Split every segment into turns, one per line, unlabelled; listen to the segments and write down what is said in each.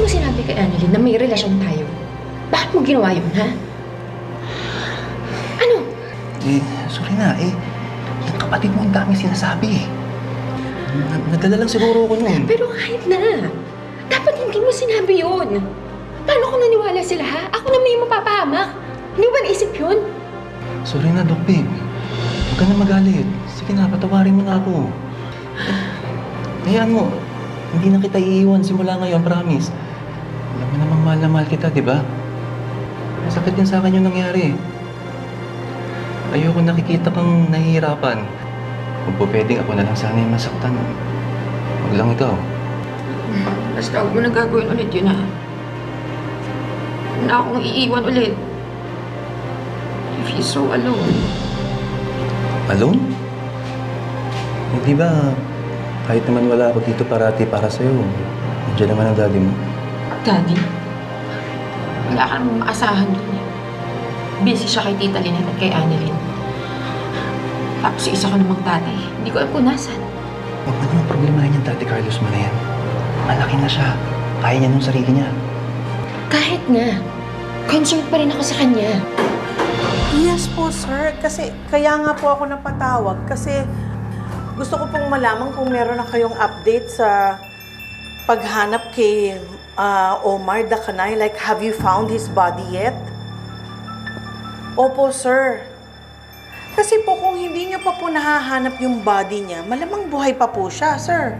mo sinabi kay Annalyn na may relasyon tayo? Bakit mo ginawa yun, ha? Ano?
Sorry na, yung kapatid mo ang dami sinasabi, Nadala lang siguro ko nun.
Pero kahit na. Dapat hindi mo sinabi yun. Paano kung naniwala sila, ha? Ako na may mapapahamak. Hindi ba naisip yun?
Sorry na, Doc Babe. Huwag ka na magalit. Sige na, patawarin mo na ako. Hayaan mo, hindi na kita iiwan simula ngayon, promise. Alam mo namang mahal na mahal kita, di ba? Masakit din sa akin yung nangyari. Ayoko nakikita kang nahihirapan. Kung po pwedeng ako na lang sana yung masaktan. Huwag lang ikaw.
Basta huwag mo na gagawin ulit yun, ha? Huwag na akong iiwan ulit. I feel so alone.
Alone? Hindi ba, kahit naman wala ako dito parati para sa'yo, nandiyan naman ang daddy mo.
Daddy? Wala ka namang maasahan doon, eh. Busy siya kay Tita Lynette at kay Annalyn. Tapos isa ka namang tatay. Hindi ko alam kung nasan.
Huwag mo naman problemahin yung Daddy Carlos mo na yan. Malaki na siya. Kaya niya nung sarili niya.
Kahit nga. Concerned pa rin ako sa kanya.
Yes po, sir. Kasi kaya nga po ako napatawag. Kasi gusto ko pong malaman kung meron na kayong update sa paghanap kay Omar Dacanay. Like, have you found his body yet? Opo, sir. Kasi po kung hindi niyo pa po nahahanap yung body niya, malamang buhay pa po siya, sir.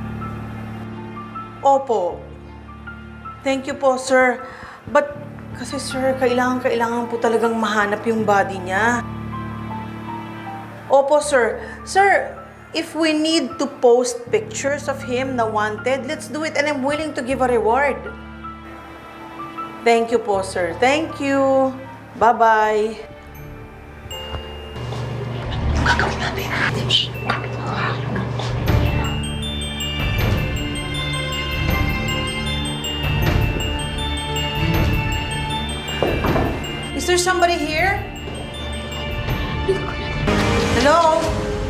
Opo. Thank you po, sir. But, kasi sir, kailangan po talagang mahanap yung body niya. Opo, sir. Sir, if we need to post pictures of him na wanted, let's do it and I'm willing to give a reward. Thank you po, sir. Thank you. Bye-bye.
Gagawin natin.
Is there somebody here? Hello?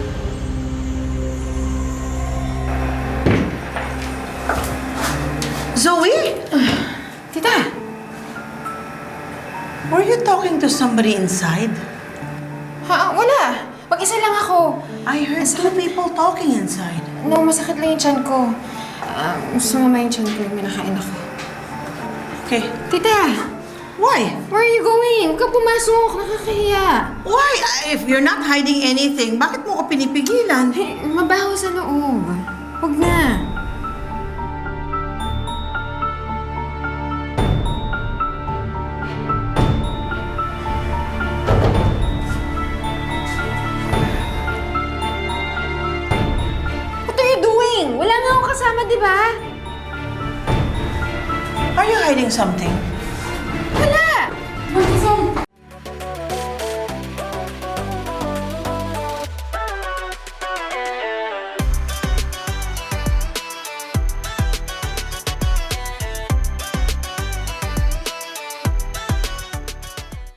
Zoe?
Tita!
Were you talking to somebody inside?
Ha? Wala. Mag-isa lang ako.
I heard two people talking inside.
No, masakit lang yung tiyan ko. Sumama yung tiyan ko. May nakain ako.
Okay.
Tita!
Why?
Where are you going? Huwag ka pumasok. Nakakahiya.
Why? If you're not hiding anything, bakit mo ko pinipigilan?
Mabaho sa loob. Huwag na. What are you doing? Wala nga akong kasama, di ba?
Are you hiding something?
Wala.